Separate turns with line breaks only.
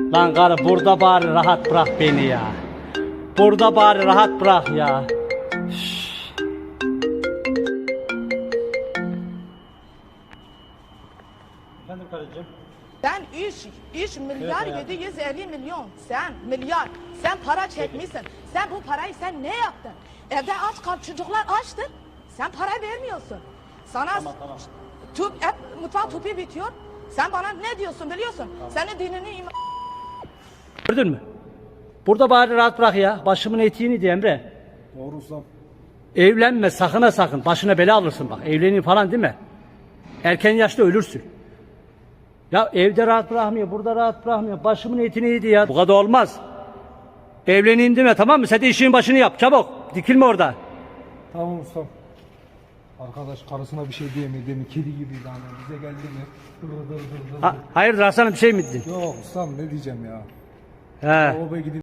Lan karı burada bari rahat bırak beni ya. Burada bari rahat bırak ya. Efendim karıcığım.
Sen 3 milyar
Evet,
750 milyon. Sen milyar. Sen para çekmişsin. Sen bu parayı sen ne yaptın? Evde aç kal, çocuklar açtır. Sen para vermiyorsun. Sana
Tamam.
hep mutfak tüpü bitiyor. Sen bana ne diyorsun biliyorsun? Senin dinini
Gördün mü? Burada bari rahat bırak ya. Başımın etiğini diye Emre.
Doğru ustam.
Evlenme sakın ha sakın. Başına bela alırsın bak. Evlenin falan değil mi? Erken yaşta ölürsün. Ya evde rahat bırakmıyor, burada rahat bırakmıyor. Başımın etini yedi ya. Bu kadar olmaz. Evleneyim deme, tamam mı? Sen de işin başını yap çabuk. Dikilme orada.
Tamam ustam. Arkadaş karısına bir şey diyemedi mi? Kedi gibiydi hani. Bize geldi mi? Dır dır dır dır.
Hayırdır Hasan'ım, bir şey mi dedin?
Yok ustam ne diyeceğim ya.
He.
O be gidip